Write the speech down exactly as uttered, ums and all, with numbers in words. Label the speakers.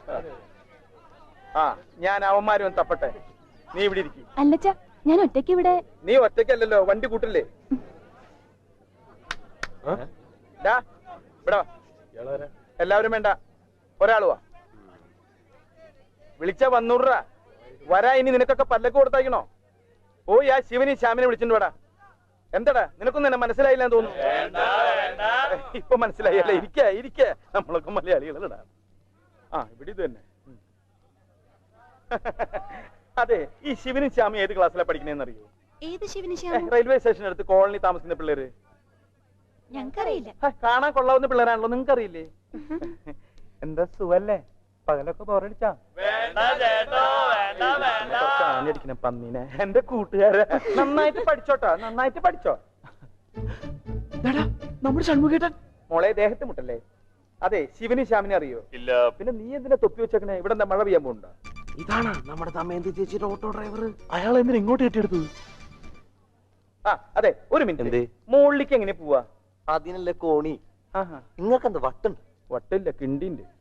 Speaker 1: ആ ഞാൻ അവന്മാരും തപ്പട്ടെ, നീ ഇവിടെ ഇരിക്കും.
Speaker 2: അല്ലച്ചാ ഞാൻ ഒറ്റയ്ക്ക് ഇവിടെ.
Speaker 1: നീ ഒറ്റയ്ക്കല്ലല്ലോ, വണ്ടി കൂട്ടില്ലേ? ഇവിടെ എല്ലാവരും വേണ്ട, ഒരാളുവാ. വിളിച്ചാ വന്നൂറാ വരാ. ഇനി നിനക്കൊക്കെ പല്ലക്ക് കൊടുത്തയക്കണോ? പോയി ആ ശിവനെയും ശ്യാമിനെ വിളിച്ചിട്ട് വേടാ. എന്താടാ നിനക്കൊന്നും എന്നെ മനസ്സിലായില്ലെന്ന് തോന്നുന്നു. ഇപ്പൊ മനസ്സിലായല്ലേ? ഇരിക്ക ഇരിക്ക, നമ്മളൊക്കെ മലയാളികളടാ. ആ ഇവിടെ ഇത് തന്നെ. അതെ, ഈ ശിവനും ശ്യാമി ഏത് ക്ലാസ്സിലാണ് പഠിക്കണേന്ന് അറിയോ?
Speaker 2: ഏത് ശിവനും ശ്യാമും?
Speaker 1: റെയിൽവേ സ്റ്റേഷൻ അടുത്ത് കോളനി താമസിക്കുന്ന പിള്ളേര്.
Speaker 2: ഞങ്ങൾക്കറിയില്ല.
Speaker 1: കാണാൻ കൊള്ളാവുന്ന പിള്ളേരാണല്ലോ, നിങ്ങൾക്കറിയില്ലേ? എന്താ സുഖല്ലേ? പകലൊക്കെ ബോറടിച്ചാ? ആഞ്ഞടിക്കണ പന്നീനെ, എന്റെ കൂട്ടുകാരെ. നന്നായിട്ട് പഠിച്ചോട്ടാ, നന്നായിട്ട് പഠിച്ചോ. നമ്മുടെ ഷൺമുഖേട്ടൻ മോളെ ദേഹത്ത് മുട്ടല്ലേ? അതെ, ശിവനും ശ്യാമിനെ അറിയോ? ഇല്ല. പിന്നെ നീ എന്തിനാ തൊപ്പി വെച്ചേക്കണേ? ഇവിടെ എന്താ മഴ പെയ്യാൻ പോണ്ടാ?
Speaker 3: ഇതാണ് നമ്മുടെ ദമയന്തി ചേച്ചിയുടെ ഓട്ടോ ഡ്രൈവർ.
Speaker 1: അയാൾ എന്തിനാ ഇങ്ങോട്ട് കെട്ടിയെടുത്തത്? ആ അതെ, ഒരു മിനിറ്റ്. മുകളിലേക്ക് എങ്ങനെ പോവാ?
Speaker 3: അതിനല്ലേ കോണി.
Speaker 1: ആഹാ,
Speaker 3: നിങ്ങൾക്ക് എന്ത് വട്ടുണ്ട്?
Speaker 1: വട്ടില്ല, കിണ്ടിണ്ട്.